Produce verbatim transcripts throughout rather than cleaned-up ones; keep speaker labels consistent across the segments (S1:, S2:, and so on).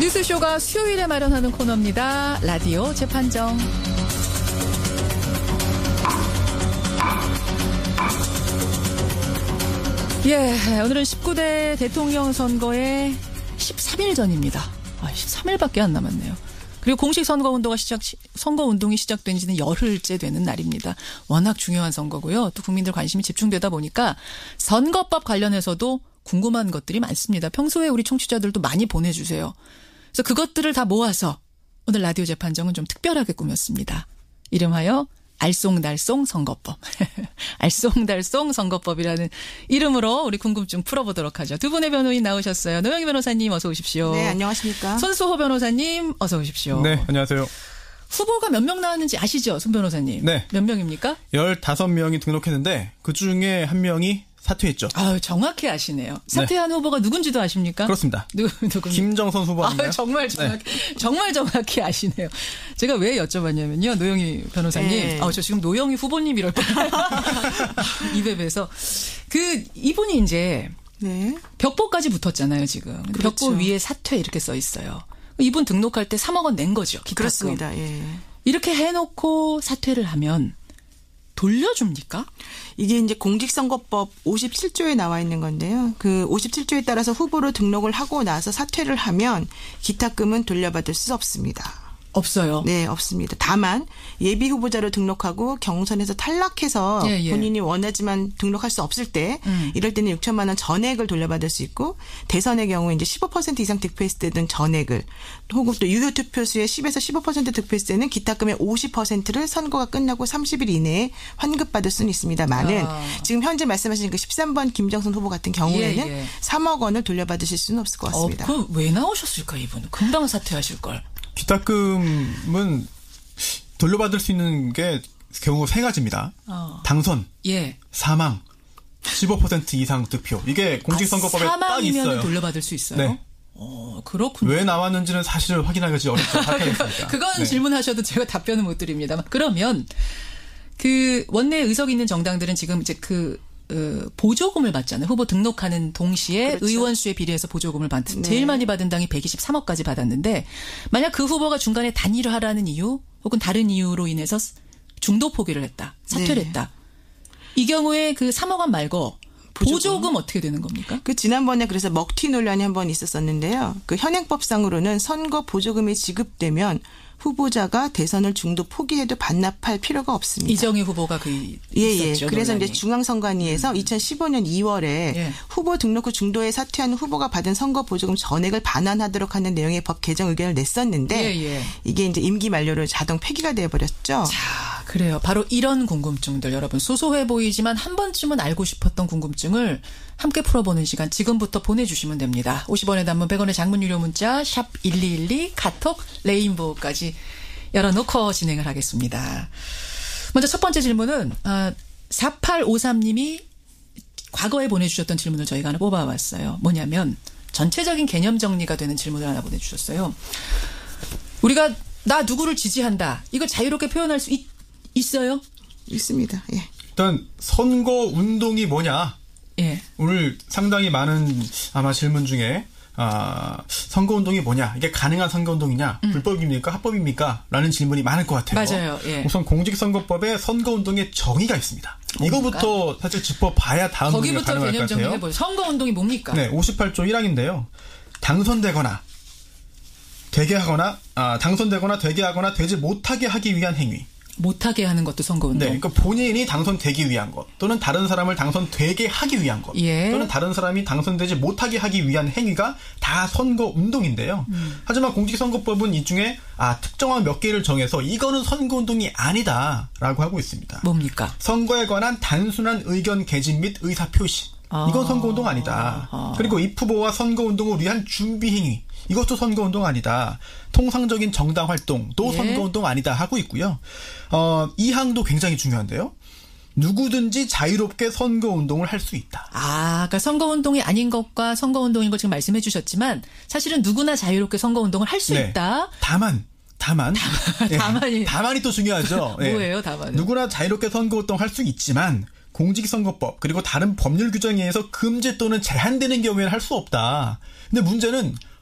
S1: 뉴스쇼가 수요일에 마련하는 코너입니다. 라디오 재판정. 예, 오늘은 십구 대 대통령 선거의 십삼 일 전입니다. 아, 십삼 일밖에 안 남았네요. 그리고 공식 선거운동가 시작, 선거운동이 시작된 지는 열흘째 되는 날입니다. 워낙 중요한 선거고요. 또 국민들 관심이 집중되다 보니까 선거법 관련해서도 궁금한 것들이 많습니다. 평소에 우리 청취자들도 많이 보내주세요. 그래서 그것들을 다 모아서 오늘 라디오 재판정은 좀 특별하게 꾸몄습니다. 이름하여 알쏭달쏭 선거법. 알쏭달쏭 선거법이라는 이름으로 우리 궁금증 풀어보도록 하죠. 두 분의 변호인 나오셨어요. 노영희 변호사님 어서 오십시오.
S2: 네, 안녕하십니까.
S1: 손수호 변호사님 어서 오십시오.
S3: 네, 안녕하세요.
S1: 후보가 몇 명 나왔는지 아시죠? 손 변호사님.
S3: 네.
S1: 몇 명입니까?
S3: 열다섯 명이 등록했는데 그중에 한 명이 사퇴했죠.
S1: 아, 정확히 아시네요. 사퇴한 네. 후보가 누군지도 아십니까?
S3: 그렇습니다.
S1: 누, 누군지.
S3: 김정선 후보 아닌가요?
S1: 아, 정말 정확히, 네. 정말 정확히 아시네요. 제가 왜 여쭤봤냐면요. 노영희 변호사님. 네. 아, 저 지금 노영희 후보님 이럴 뻔. 입에 뵈서. 그, 이분이 이제. 네. 벽보까지 붙었잖아요, 지금. 그렇죠. 벽보 위에 사퇴 이렇게 써 있어요. 이분 등록할 때 삼억 원 낸 거죠. 기타금.
S2: 그렇습니다. 예.
S1: 이렇게 해놓고 사퇴를 하면 돌려줍니까?
S2: 이게 이제 공직선거법 오십칠 조에 나와 있는 건데요. 그 오십칠 조에 따라서 후보로 등록을 하고 나서 사퇴를 하면 기타금은 돌려받을 수 없습니다.
S1: 없어요.
S2: 네, 없습니다. 다만 예비 후보자로 등록하고 경선에서 탈락해서 예, 예. 본인이 원하지만 등록할 수 없을 때 음. 이럴 때는 육천만 원 전액을 돌려받을 수 있고 대선의 경우 이제 십오 퍼센트 이상 득표했을 때는 전액을 혹은 또 유효 투표수의 십에서 십오 퍼센트 득표했을 때는 기타금의 오십 퍼센트를 선거가 끝나고 삼십 일 이내에 환급받을 수는 있습니다만은 아. 지금 현재 말씀하신 그 십삼 번 김정선 후보 같은 경우에는 예, 예. 삼억 원을 돌려받으실 수는 없을 것 같습니다.
S1: 어, 그럼 왜 나오셨을까 이분? 금방 사퇴하실 걸.
S3: 기타금은 돌려받을 수 있는 게 경우 세 가지입니다. 어. 당선, 예. 사망, 십오 퍼센트 이상 득표. 이게 공직선거법에 아, 딱 있어요.
S1: 사망이면 돌려받을 수 있어요?
S3: 네.
S1: 어, 그렇군요.
S3: 왜 나왔는지는 사실 확인하기 어렵죠.
S1: 그건
S3: 네.
S1: 질문하셔도 제가 답변은 못 드립니다. 그러면 그 원내 의석 있는 정당들은 지금 이제 그 어, 보조금을 받잖아요. 후보 등록하는 동시에 그렇죠. 의원 수에 비례해서 보조금을 받는. 네. 제일 많이 받은 당이 백이십삼억까지 받았는데 만약 그 후보가 중간에 단일화라는 이유 혹은 다른 이유로 인해서 중도 포기를 했다. 사퇴를 네. 했다. 이 경우에 그 삼억 원 말고 보조금. 보조금 어떻게 되는 겁니까?
S2: 그 지난번에 그래서 먹튀 논란이 한번 있었었는데요. 그 현행법상으로는 선거 보조금이 지급되면 후보자가 대선을 중도 포기해도 반납할 필요가 없습니다.
S1: 이정희 후보가 그
S2: 예,
S1: 있었죠.
S2: 예. 그래서
S1: 논란이.
S2: 이제 중앙선관위에서 음. 이천십오 년 이월에 예. 후보 등록 후 중도에 사퇴한 후보가 받은 선거 보조금 전액을 반환하도록 하는 내용의 법 개정 의견을 냈었는데 예, 예. 이게 이제 임기 만료로 자동 폐기가 되어버렸죠.
S1: 자, 그래요. 바로 이런 궁금증들 여러분 소소해 보이지만 한 번쯤은 알고 싶었던 궁금증을 함께 풀어보는 시간 지금부터 보내주시면 됩니다. 오십 원의 단문 백 원의 장문 유료 문자 샵 일이일이 카톡 레인보우까지 열어놓고 진행을 하겠습니다. 먼저 첫 번째 질문은 사팔오삼 님이 과거에 보내주셨던 질문을 저희가 하나 뽑아왔어요. 뭐냐면 전체적인 개념 정리가 되는 질문을 하나 보내주셨어요. 우리가 나 누구를 지지한다. 이걸 자유롭게 표현할 수 있, 있어요?
S2: 있습니다. 예.
S3: 일단 선거운동이 뭐냐.
S1: 예.
S3: 오늘 상당히 많은 아마 질문 중에 아, 선거운동이 뭐냐, 이게 가능한 선거운동이냐, 음. 불법입니까, 합법입니까? 라는 질문이 많을 것 같아요.
S1: 맞아요. 예.
S3: 우선 공직선거법에 선거운동의 정의가 있습니다. 뭡니까? 이거부터 사실 짚어봐야 다음 논의가 가능할 것 같아요. 거기부터 개념 정리해보세요.
S1: 선거운동이 뭡니까?
S3: 네, 오십팔 조 일 항인데요. 당선되거나 되게 하거나 아, 당선되거나 되게 하거나 되지 못하게 하기 위한 행위.
S1: 못하게 하는 것도 선거운동.
S3: 네, 그러니까 본인이 당선되기 위한 것, 또는 다른 사람을 당선되게 하기 위한 것, 예. 또는 다른 사람이 당선되지 못하게 하기 위한 행위가 다 선거운동인데요. 음. 하지만 공직선거법은 이 중에 아 특정한 몇 개를 정해서 이거는 선거운동이 아니다라고 하고 있습니다.
S1: 뭡니까?
S3: 선거에 관한 단순한 의견 개진 및 의사표시.
S1: 아.
S3: 이건 선거운동 아니다.
S1: 아.
S3: 그리고 입 후보와 선거운동을 위한 준비행위. 이것도 선거운동 아니다. 통상적인 정당 활동도 예. 선거운동 아니다 하고 있고요. 어, 이 항도 굉장히 중요한데요. 누구든지 자유롭게 선거운동을 할 수 있다.
S1: 아, 그러니까 선거운동이 아닌 것과 선거운동인 걸 지금 말씀해 주셨지만 사실은 누구나 자유롭게 선거운동을 할 수
S3: 네.
S1: 있다.
S3: 다만. 다만.
S1: 다만. 다만이.
S3: 네. 다만이 또 중요하죠. 네.
S1: 뭐예요, 다만은?
S3: 누구나 자유롭게 선거운동 할 수 있지만 공직선거법 그리고 다른 법률 규정에 의해서 금지 또는 제한되는 경우에는 할 수 없다. 근데 문제는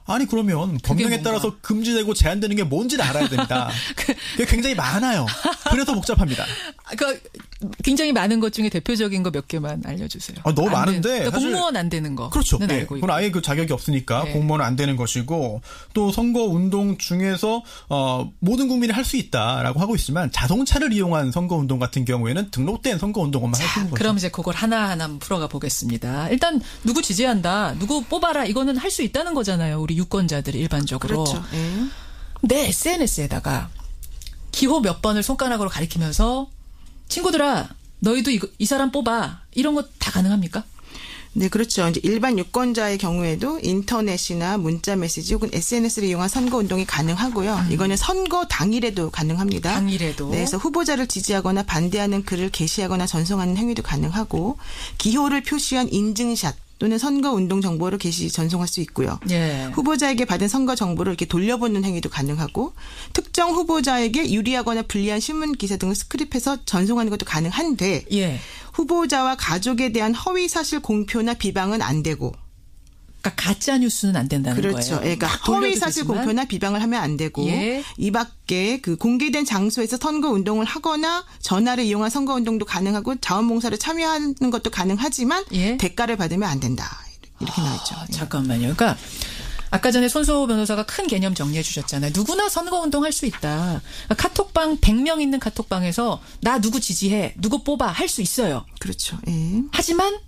S3: 아니 그러면 법령에 따라서 금지되고 제한되는 게 뭔지를 알아야 됩니다. 그게 굉장히 많아요. 그래서 복잡합니다.
S1: 그 굉장히 많은 것 중에 대표적인 거 몇 개만 알려주세요.
S3: 아, 너무 많은데
S1: 그러니까 공무원 안 되는 거.
S3: 그렇죠. 네. 그건 아예 그 자격이 없으니까 네. 공무원은 안 되는 것이고 또 선거 운동 중에서 어, 모든 국민이 할 수 있다라고 하고 있지만 자동차를 이용한 선거 운동 같은 경우에는 등록된 선거 운동만 할 수 있는 거죠.
S1: 그럼 이제 그걸 하나하나 풀어가 보겠습니다. 일단 누구 지지한다, 누구 뽑아라 이거는 할 수 있다는 거잖아요. 우리 유권자들이 일반적으로.
S2: 그렇죠. 네.
S1: 내 에스엔에스에다가 기호 몇 번을 손가락으로 가리키면서 친구들아 너희도 이, 이 사람 뽑아 이런 거 다 가능합니까?
S2: 네, 그렇죠. 이제 일반 유권자의 경우에도 인터넷이나 문자 메시지 혹은 에스엔에스를 이용한 선거 운동이 가능하고요. 음. 이거는 선거 당일에도 가능합니다.
S1: 당일에도.
S2: 네, 그래서 후보자를 지지하거나 반대하는 글을 게시하거나 전송하는 행위도 가능하고 기호를 표시한 인증샷 또는 선거 운동 정보를 게시 전송할 수 있고요.
S1: 예.
S2: 후보자에게 받은 선거 정보를 이렇게 돌려보는 행위도 가능하고 특정 후보자에게 유리하거나 불리한 신문 기사 등을 스크립해서 전송하는 것도 가능한데
S1: 예.
S2: 후보자와 가족에 대한 허위 사실 공표나 비방은 안 되고.
S1: 그러니까 가짜 뉴스는 안 된다는
S2: 그렇죠.
S1: 거예요.
S2: 그러니까 허위 사실 공표나 비방을 하면 안 되고
S1: 예.
S2: 이 밖에 그 공개된 장소에서 선거 운동을 하거나 전화를 이용한 선거 운동도 가능하고 자원봉사를 참여하는 것도 가능하지만 예. 대가를 받으면 안 된다. 이렇게 나와 있죠.
S1: 아, 잠깐만요. 그러니까 아까 전에 손수호 변호사가 큰 개념 정리해 주셨잖아요. 누구나 선거 운동할 수 있다. 그러니까 카톡방 백 명 있는 카톡방에서 나 누구 지지해, 누구 뽑아 할 수 있어요.
S2: 그렇죠. 예.
S1: 하지만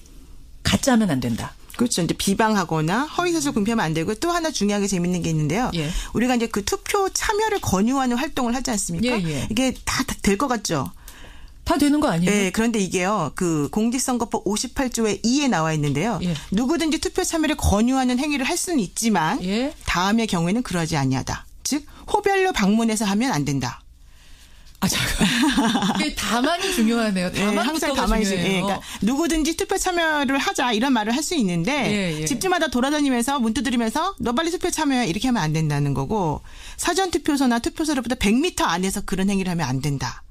S1: 가짜하면 안 된다.
S2: 그렇죠. 이제 비방하거나 허위사실 공표하면 안 되고 또 하나 중요하게 재밌는 게 있는데요.
S1: 예.
S2: 우리가 이제 그 투표 참여를 권유하는 활동을 하지 않습니까?
S1: 예, 예.
S2: 이게 다 될 것 같죠?
S1: 다 되는 거 아니에요?
S2: 네. 그런데 이게요. 그 공직선거법 오십팔 조의 이에 나와 있는데요.
S1: 예.
S2: 누구든지 투표 참여를 권유하는 행위를 할 수는 있지만
S1: 예.
S2: 다음의 경우에는 그러지 아니하다. 즉 호별로 방문해서 하면 안 된다.
S1: 아, 잠깐. 이게 다만이 중요하네요. 다만
S2: 네, 항상 다만이 중요해요. 네, 그러니까 누구든지 투표 참여를 하자 이런 말을 할 수 있는데
S1: 예, 예.
S2: 집집마다 돌아다니면서 문 두드리면서 너 빨리 투표 참여해 이렇게 하면 안 된다는 거고 사전 투표소나 투표소로부터 백 미터 안에서 그런 행위를 하면 안 된다.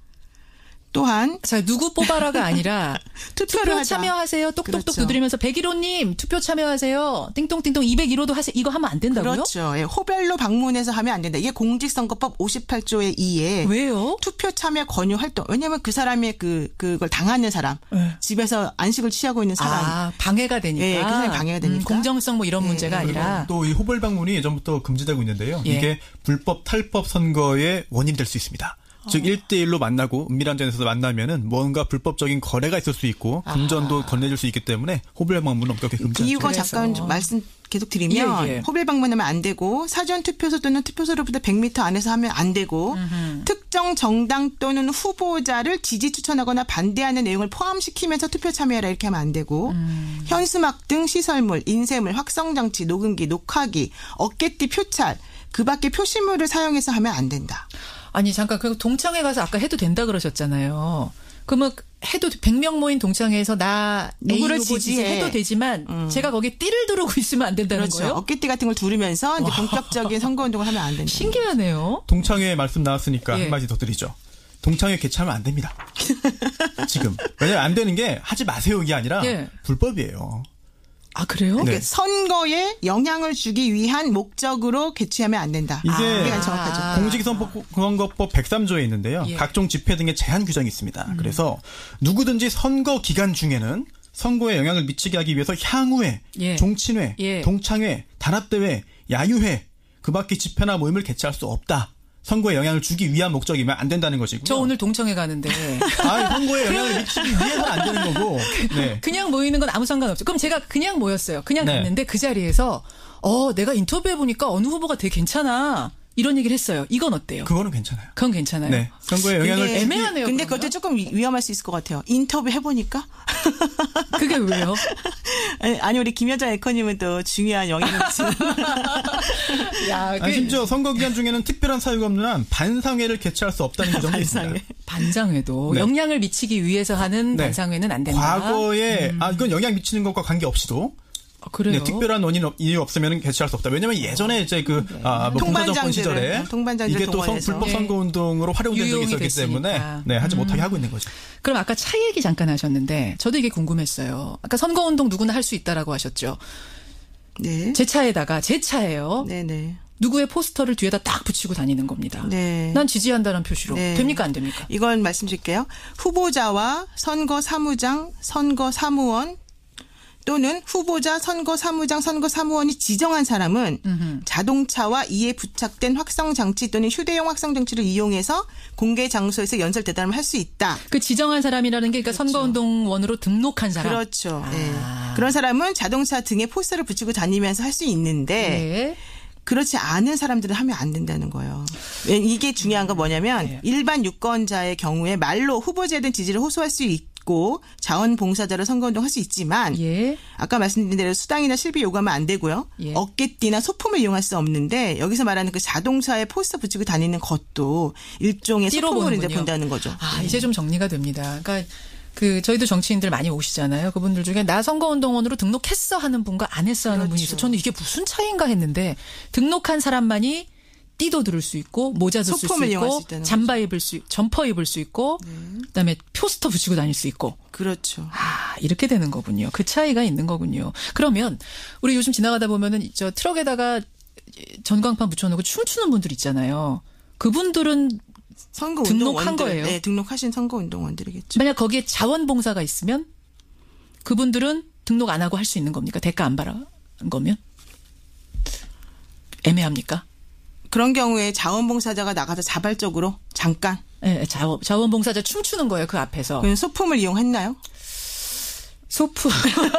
S2: 또한
S1: 자 누구 뽑아라가 아니라
S2: 투표를
S1: 투표
S2: 하자.
S1: 참여하세요. 똑똑똑
S2: 그렇죠.
S1: 두드리면서 백일호님 투표 참여하세요. 띵동띵동 이백일호도 하세요. 이거 하면 안 된다고요?
S2: 그렇죠. 예, 호별로 방문해서 하면 안 된다. 이게 공직선거법 오십팔 조의 이에
S1: 왜요?
S2: 투표 참여 권유 활동. 왜냐하면 그 사람의 그 그걸 당하는 사람,
S1: 네.
S2: 집에서 안식을 취하고 있는 사람,
S1: 아, 방해가 되니까.
S2: 예, 그 사람이 방해가 되니까.
S1: 음, 공정성 뭐 이런
S2: 예,
S1: 문제가 아니라
S3: 또 이 호별 방문이 예전부터 금지되고 있는데요.
S1: 예.
S3: 이게 불법 탈법 선거의 원인이 될 수 있습니다. 즉 일 대 일로 만나고 은밀한 자리에서 만나면은 뭔가 불법적인 거래가 있을 수 있고 금전도 건네줄 수 있기 때문에 호별 방문은 엄격히 금지하죠.
S2: 이유가
S1: 그래서.
S2: 잠깐 좀 말씀 계속 드리면
S1: 예, 예.
S2: 호별 방문하면 안 되고 사전 투표소 또는 투표소로부터 백 미터 안에서 하면 안 되고
S1: 음흠.
S2: 특정 정당 또는 후보자를 지지 추천하거나 반대하는 내용을 포함시키면서 투표 참여해라 이렇게 하면 안 되고
S1: 음.
S2: 현수막 등 시설물, 인쇄물, 확성장치, 녹음기, 녹화기, 어깨띠, 표찰 그 밖에 표시물을 사용해서 하면 안 된다.
S1: 아니 잠깐 그 동창회 가서 아까 해도 된다 그러셨잖아요. 그러면 해도 백 명 모인 동창회에서 나 누구를 지지해도 되지만 음. 제가 거기에 띠를 두르고 있으면 안 된다는
S2: 그렇죠.
S1: 거예요?
S2: 어깨띠 같은 걸 두르면서 이제 본격적인 선거운동을 하면 안 된다.
S1: 신기하네요.
S3: 동창회 말씀 나왔으니까
S1: 예.
S3: 한마디 더 드리죠. 동창회 개최하면 안 됩니다. 지금. 왜냐하면 안 되는 게 하지 마세요 이게 아니라
S1: 예.
S3: 불법이에요.
S1: 아 그래요?
S2: 그러니까 네. 선거에 영향을 주기 위한 목적으로 개최하면 안 된다.
S3: 이게
S2: 아, 정확하죠.
S3: 공직선거법 백삼 조에 있는데요.
S1: 예.
S3: 각종 집회 등의 제한 규정이 있습니다. 음. 그래서 누구든지 선거 기간 중에는 선거에 영향을 미치게 하기 위해서 향후회,
S1: 예.
S3: 종친회,
S1: 예.
S3: 동창회, 단합대회, 야유회 그 밖에 집회나 모임을 개최할 수 없다. 선거에 영향을 주기 위한 목적이면 안 된다는 것이고요.
S1: 저 오늘 동창회 가는데.
S3: 아, 선거에 영향을 미치기 위해서는 안 되는 거고. 네.
S1: 그냥 모이는 건 아무 상관없죠. 그럼 제가 그냥 모였어요. 그냥
S3: 네.
S1: 갔는데 그 자리에서 어 내가 인터뷰해 보니까 어느 후보가 되게 괜찮아. 이런 얘기를 했어요. 이건 어때요?
S3: 그거는 괜찮아요.
S1: 그건 괜찮아요.
S3: 네. 선거에 영향을
S2: 근데,
S1: 애매하네요.
S2: 근데
S1: 그러면?
S2: 그것도 조금 위험할 수 있을 것 같아요. 인터뷰 해보니까.
S1: 그게 왜요?
S2: 아니, 아니 우리 김여정 앵커님은 또 중요한 영향을 미치는.
S1: 야, 그
S3: 아니, 심지어 선거 기간 중에는 특별한 사유가 없는 한 반상회를 개최할 수 없다는 규정이 있습니다.
S1: 반상회도
S3: 네.
S1: 영향을 미치기 위해서 하는
S3: 네.
S1: 반상회는 안 된다.
S3: 과거에
S1: 음.
S3: 아 이건 영향 미치는 것과 관계없이도
S1: 아, 그래요?
S3: 네, 특별한 원인 이유 없으면 개최할 수 없다. 왜냐하면 예전에 이제 그
S1: 네.
S3: 아, 뭐 공사정권 시절에
S2: 통반장들
S3: 이게 또 성, 불법
S1: 네.
S3: 선거 운동으로 활용된 적이 있었기
S1: 됐으니까.
S3: 때문에 네, 하지
S1: 음.
S3: 못하게 하고 있는 거죠.
S1: 그럼 아까 차 얘기 잠깐 하셨는데 저도 이게 궁금했어요. 아까 선거 운동 누구나 할 수 있다라고 하셨죠. 네. 제 차에다가 제 차예요.
S2: 네네.
S1: 누구의 포스터를 뒤에다 딱 붙이고 다니는 겁니다.
S2: 네.
S1: 난 지지한다는 표시로. 네. 됩니까 안 됩니까?
S2: 이건 말씀드릴게요. 후보자와 선거사무장, 선거사무원 또는 후보자, 선거사무장, 선거사무원이 지정한 사람은 음흠. 자동차와 이에 부착된 확성장치 또는 휴대용 확성장치를 이용해서 공개 장소에서 연설 대담을 할 수 있다.
S1: 그 지정한 사람이라는 게 그러니까 그렇죠. 선거운동원으로 등록한 사람.
S2: 그렇죠. 아. 네. 그런 사람은 자동차 등에 포스터를 붙이고 다니면서 할 수 있는데 네. 그렇지 않은 사람들은 하면 안 된다는 거예요. 이게 중요한 건 뭐냐면 네. 일반 유권자의 경우에 말로 후보자에 대한 지지를 호소할 수 있고 고 자원봉사자로 선거운동 할 수 있지만 예. 아까 말씀드린 대로 수당이나 실비 요구하면 안 되고요. 예. 어깨띠나 소품을 이용할 수 없는데 여기서 말하는 그 자동차에 포스터 붙이고 다니는 것도 일종의 소품으로 이제 본다는 거죠.
S1: 아 네. 이제 좀 정리가 됩니다. 그러니까 그 저희도 정치인들 많이 오시잖아요. 그분들 중에 나 선거운동원으로 등록했어 하는 분과 안 했어 하는 그렇죠. 분이 있어요. 저는 이게 무슨 차이인가 했는데 등록한 사람만이 띠도 들을 수 있고 모자도 쓸 수 있고 잠바 입을 수 점퍼 입을 수 있고 네. 그다음에 포스터 붙이고 다닐 수 있고
S2: 그렇죠.
S1: 아 이렇게 되는 거군요. 그 차이가 있는 거군요. 그러면 우리 요즘 지나가다 보면은 저 트럭에다가 전광판 붙여놓고 춤추는 분들 있잖아요. 그분들은
S2: 선거
S1: 등록한 거예요.
S2: 네, 등록하신 선거운동원들이겠죠.
S1: 만약 거기에 자원봉사가 있으면 그분들은 등록 안 하고 할 수 있는 겁니까? 대가 안 받은 거면 애매합니까?
S2: 그런 경우에 자원봉사자가 나가서 자발적으로 잠깐.
S1: 네, 자원, 자원봉사자 춤추는 거예요. 그 앞에서.
S2: 그럼 소품을 이용했나요?
S1: 소품을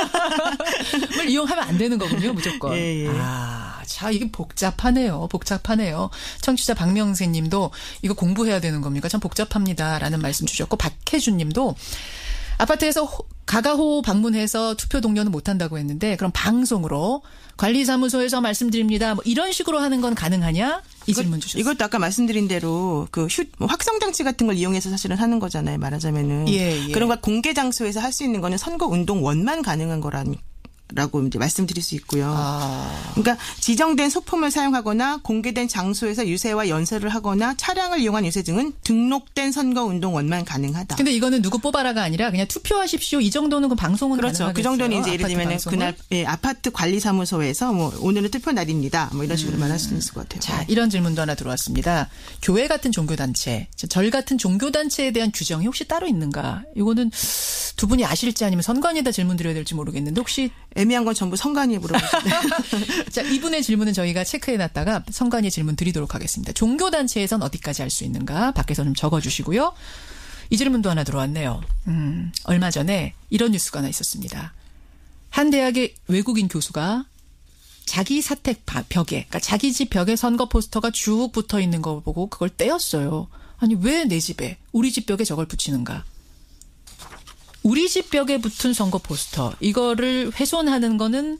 S1: 이용하면 안 되는 거군요. 무조건.
S2: 예, 예.
S1: 아, 자 이게 복잡하네요. 복잡하네요. 청취자 박명세 님도 이거 공부해야 되는 겁니까? 참 복잡합니다라는 말씀 주셨고 박혜준 님도 아파트에서 가가호 방문해서 투표 독려는 못한다고 했는데 그럼 방송으로 관리사무소에서 말씀드립니다. 뭐 이런 식으로 하는 건 가능하냐? 이
S2: 이것,
S1: 질문 주셨어요.
S2: 이것도 아까 말씀드린 대로 그 휴, 확성장치 같은 걸 이용해서 사실은 하는 거잖아요. 말하자면은.
S1: 예, 예.
S2: 그런 걸 공개 장소에서 할 수 있는 거는 선거운동원만 가능한 거라니. 라고 이제 말씀드릴 수 있고요.
S1: 아.
S2: 그러니까 지정된 소품을 사용하거나 공개된 장소에서 유세와 연설을 하거나 차량을 이용한 유세 등은 등록된 선거운동원만 가능하다.
S1: 근데 이거는 누구 뽑아라가 아니라 그냥 투표하십시오. 이 정도는 그 방송은
S2: 그렇죠.
S1: 가능하겠어요.
S2: 그 정도는 이제 예를 들면 그날 예, 아파트 관리사무소에서 뭐 오늘은 투표 날입니다. 뭐 이런 식으로 음. 말할 수 있을 것 같아요.
S1: 자, 이런 질문도 하나 들어왔습니다. 교회 같은 종교단체, 절 같은 종교단체에 대한 규정이 혹시 따로 있는가? 이거는 두 분이 아실지 아니면 선관위에다 질문 드려야 될지 모르겠는데 혹시
S2: 애매한 건 전부 선관위에 물어보시네요.
S1: 자, 이분의 질문은 저희가 체크해놨다가 선관위 질문 드리도록 하겠습니다. 종교단체에선 어디까지 할 수 있는가? 밖에서 좀 적어주시고요. 이 질문도 하나 들어왔네요. 음, 얼마 전에 이런 뉴스가 하나 있었습니다. 한 대학의 외국인 교수가 자기 사택 벽에, 그러니까 자기 집 벽에 선거 포스터가 쭉 붙어 있는 거 보고 그걸 떼었어요. 아니, 왜 내 집에, 우리 집 벽에 저걸 붙이는가? 우리 집 벽에 붙은 선거 포스터 이거를 훼손하는 거는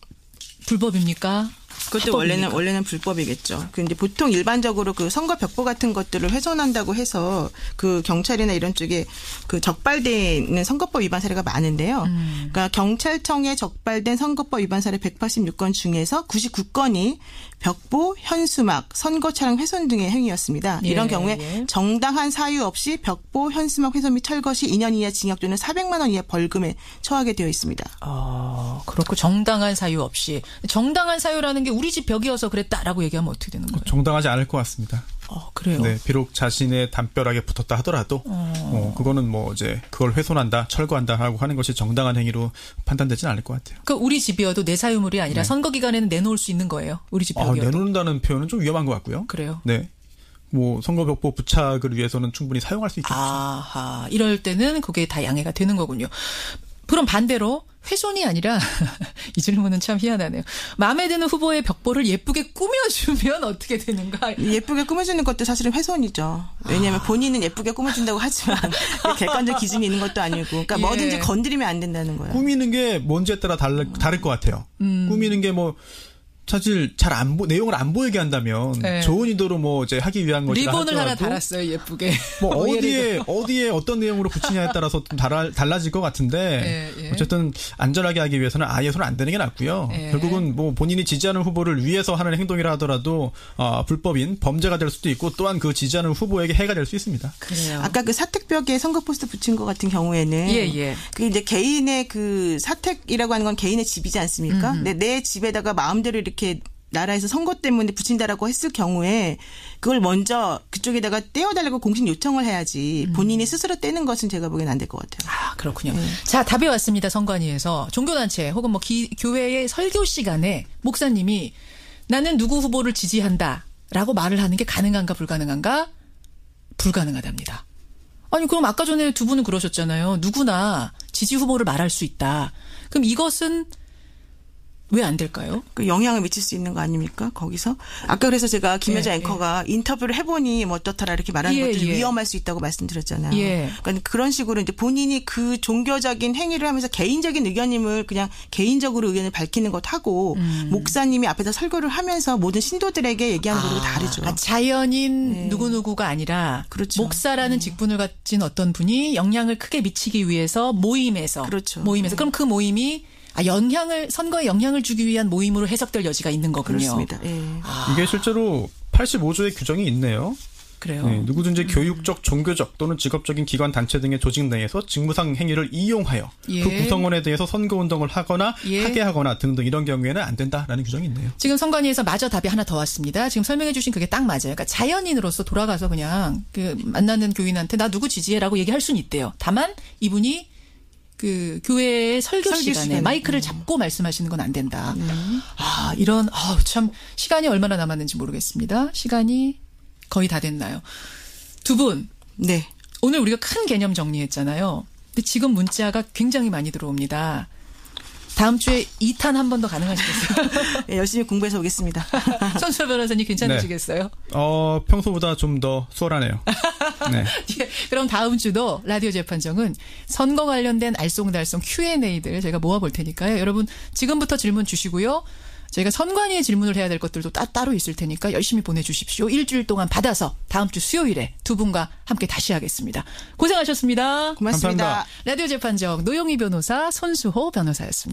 S1: 불법입니까?
S2: 그것도 합법입니까? 원래는 원래는 불법이겠죠. 근데 보통 일반적으로 그 선거 벽보 같은 것들을 훼손한다고 해서 그 경찰이나 이런 쪽에 그 적발되는 선거법 위반 사례가 많은데요. 음. 그러니까 경찰청에 적발된 선거법 위반 사례 백팔십육 건 중에서 구십구 건이 벽보, 현수막, 선거 차량 훼손 등의 행위였습니다. 예, 이런 경우에 예. 정당한 사유 없이 벽보, 현수막 훼손 및 철거 시 이 년 이하 징역 또는 사백만 원 이하 벌금에 처하게 되어 있습니다.
S1: 아, 그렇고 정당한 사유 없이. 정당한 사유라는 게 우리 집 벽이어서 그랬다라고 얘기하면 어떻게 되는 거예요?
S3: 정당하지 않을 것 같습니다.
S1: 어, 그래요?
S3: 네, 비록 자신의 담벼락에 붙었다 하더라도 어. 어, 그거는 뭐 이제 그걸 훼손한다, 철거한다 하고 하는 것이 정당한 행위로 판단되지는 않을 것 같아요.
S1: 그 우리 집이어도 내 사유물이 아니라 네. 선거 기간에는 내놓을 수 있는 거예요. 우리 집 벽이어도.
S3: 아, 내놓는다는 표현은 좀 위험한 것 같고요.
S1: 그래요?
S3: 네. 뭐 선거벽보 부착을 위해서는 충분히 사용할 수 있겠죠.
S1: 아하, 이럴 때는 그게 다 양해가 되는 거군요. 그럼 반대로 훼손이 아니라 이 질문은 참 희한하네요. 마음에 드는 후보의 벽보를 예쁘게 꾸며주면 어떻게 되는가?
S2: 예쁘게 꾸며주는 것도 사실은 훼손이죠. 왜냐하면 아. 본인은 예쁘게 꾸며준다고 하지만 객관적 기준이 있는 것도 아니고 그러니까 예. 뭐든지 건드리면 안 된다는 거예요.
S3: 꾸미는 게 뭔지에 따라 다를, 다를 것 같아요. 음. 꾸미는 게 뭐 사실 잘 안 보, 내용을 안 보이게 한다면 네. 좋은 의도로 뭐 이제 하기 위한 것이라
S1: 리본을 하나 달았어요, 예쁘게.
S3: 뭐 어디에 어디에 어떤 내용으로 붙이냐에 따라서 좀 달아, 달라질 것 같은데 네, 예. 어쨌든 안전하게 하기 위해서는 아예 손 안 대는 게 낫고요. 예. 결국은 뭐 본인이 지지하는 후보를 위해서 하는 행동이라 하더라도 어, 불법인 범죄가 될 수도 있고 또한 그 지지하는 후보에게 해가 될 수 있습니다.
S2: 그래요. 아까 그 사택벽에 선거 포스터 붙인 것 같은 경우에는 예, 예. 그 이제 개인의 그 사택이라고 하는 건 개인의 집이지 않습니까? 근데 내 집에다가 마음대로 이렇게 나라에서 선거 때문에 붙인다라고 했을 경우에 그걸 먼저 그쪽에다가 떼어달라고 공식 요청을 해야지 본인이 스스로 떼는 것은 제가 보기엔 안 될 것 같아요.
S1: 아, 그렇군요. 네. 자, 답이 왔습니다. 선관위에서 종교단체 혹은 뭐 기, 교회의 설교 시간에 목사님이 나는 누구 후보를 지지한다라고 말을 하는 게 가능한가 불가능한가? 불가능하답니다. 아니 그럼 아까 전에 두 분은 그러셨잖아요. 누구나 지지 후보를 말할 수 있다. 그럼 이것은 왜 안 될까요?
S2: 그 영향을 미칠 수 있는 거 아닙니까? 거기서 아까 그래서 제가 김여자 예, 앵커가 예. 인터뷰를 해보니 뭐 어떻더라 이렇게 말하는 예, 것들이 예. 위험할 수 있다고 말씀드렸잖아요. 예. 그러니까 그런 식으로 이제 본인이 그 종교적인 행위를 하면서 개인적인 의견임을 그냥 개인적으로 의견을 밝히는 것하고 음. 목사님이 앞에서 설교를 하면서 모든 신도들에게 얘기하는 거하고 아, 다르죠.
S1: 아, 자연인 네. 누구누구가 아니라 그렇죠. 목사라는 네. 직분을 가진 어떤 분이 영향을 크게 미치기 위해서 모임에서 그렇죠. 모임에서 네. 그럼 그 모임이 아, 영향을, 선거에 영향을 주기 위한 모임으로 해석될 여지가 있는 거군요.
S2: 그렇습니다. 예.
S3: 아. 이게 실제로 팔십오 조의 규정이 있네요.
S1: 그래요.
S3: 네, 누구든지 음. 교육적, 종교적 또는 직업적인 기관, 단체 등의 조직 내에서 직무상 행위를 이용하여 예. 그 구성원에 대해서 선거운동을 하거나 예. 하게 하거나 등등 이런 경우에는 안 된다라는 규정이 있네요.
S1: 지금 선관위에서 마저 답이 하나 더 왔습니다. 지금 설명해 주신 그게 딱 맞아요. 그러니까 자연인으로서 돌아가서 그냥 그 만나는 교인한테 나 누구 지지해라고 얘기할 수는 있대요. 다만 이분이 그 교회의 설교, 설교 시간에 시간에. 마이크를 음. 잡고 말씀하시는 건 안 된다. 음. 아 이런 아, 참 시간이 얼마나 남았는지 모르겠습니다. 시간이 거의 다 됐나요? 두 분.
S2: 네.
S1: 오늘 우리가 큰 개념 정리했잖아요. 근데 지금 문자가 굉장히 많이 들어옵니다. 다음 주에 이 탄 한 번 더 가능하시겠어요?
S2: 네, 열심히 공부해서 오겠습니다.
S1: 손수호 변호사님 괜찮으시겠어요?
S3: 네. 어, 평소보다 좀 더 수월하네요. 네.
S1: 예, 그럼 다음 주도 라디오 재판정은 선거 관련된 알쏭달쏭 큐 앤 에이들 제가 모아볼 테니까요. 여러분 지금부터 질문 주시고요. 저희가 선관위에 질문을 해야 될 것들도 따, 따로 있을 테니까 열심히 보내주십시오. 일주일 동안 받아서 다음 주 수요일에 두 분과 함께 다시 하겠습니다. 고생하셨습니다.
S2: 고맙습니다.
S3: 감사합니다.
S1: 라디오 재판정 노영희 변호사, 손수호 변호사였습니다.